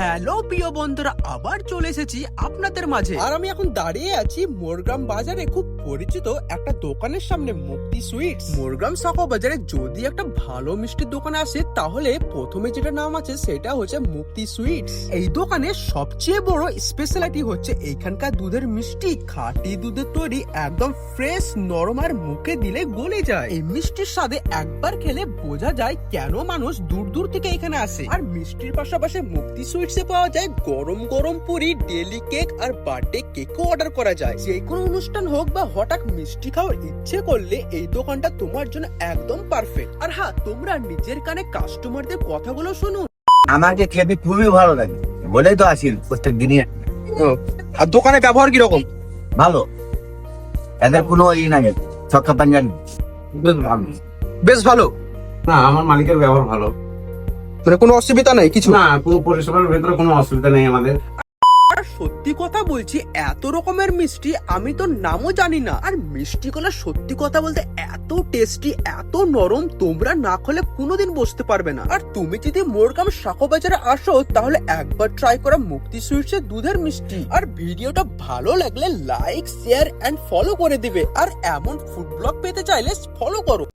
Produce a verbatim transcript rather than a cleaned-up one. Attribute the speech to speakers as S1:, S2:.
S1: Hello প্রিয় বন্ধুরা, আবার চলে এসেছি আপনাদের মাঝে। আর আমি এখন দাঁড়িয়ে আছি মোরগ্রাম বাজারে খুব পরিচিত একটা দোকানের সামনে, মুক্তি সুইটস। মোরগ্রাম শাখা বাজারে যদি একটা ভালো মিষ্টির দোকান আসে তাহলে প্রথমে যেটা নাম আছে সেটা হচ্ছে মুক্তি সুইটস। এই দোকানে সবচেয়ে বড় স্পেশালিটি হচ্ছে এইখানকার দুধের মিষ্টি। খাঁটি দুধের তৈরি, একদম ফ্রেশ, নরম, আর মুখে দিলে গলে যায়। এই মিষ্টির স্বাদে একবার খেলে বোঝা যায় কেন মানুষ দূর দূর থেকে এখানে আসে। আর মিষ্টির পাশাপাশি মুক্তি সুইটসে পাওয়া যায় গরম গরম পুরি, ডেলি কেক আর বার্থডে কেকও অর্ডার করা যায়। যে কোনো অনুষ্ঠান হোক বা হঠাৎ মিষ্টি খাওয়ার ইচ্ছে করলে এই দোকানটা তোমার জন্য একদম পারফেক্ট। আর হ্যাঁ, তোমরা নিজের কানে কাস্টমারদের কথাগুলো শুনো।
S2: আমাকে খেতে খুবই ভালো লাগে বলেই তো আসি প্রত্যেক দিনই।
S1: আর দোকানে ব্যবহার কিরকম?
S2: ভালো, এদের কোনো ই নাই, ছক্কা পাঞ্জাবি বেশ ভালো।
S1: বেশ ভালো,
S3: না আমার মালিকের ব্যবহার ভালো,
S1: মানে কোনো অসুবিধা নাই কিছু?
S3: না পুরো পরিষেবার ভেতরে কোনো অসুবিধা নেই আমাদের।
S1: আর সত্যি কথা বলছি, এত রকমের মিষ্টি আমি তো নামও জানি না। আর মিষ্টিগুলো সত্যি কথা বলতে এত টেস্টি, এত নরম, তোমরা না খেলে কোনোদিন বসতে পারবে না। আর তুমি যদি মোরগ্রাম শাখা বাজারে আসো তাহলে একবার ট্রাই করা মুক্তি সুইটসের দুধের মিষ্টি। আর ভিডিওটা ভালো লাগলে লাইক, শেয়ার এন্ড ফলো করে দিবে। আর এমন ফুড ব্লগ পেতে চাইলে ফলো করো।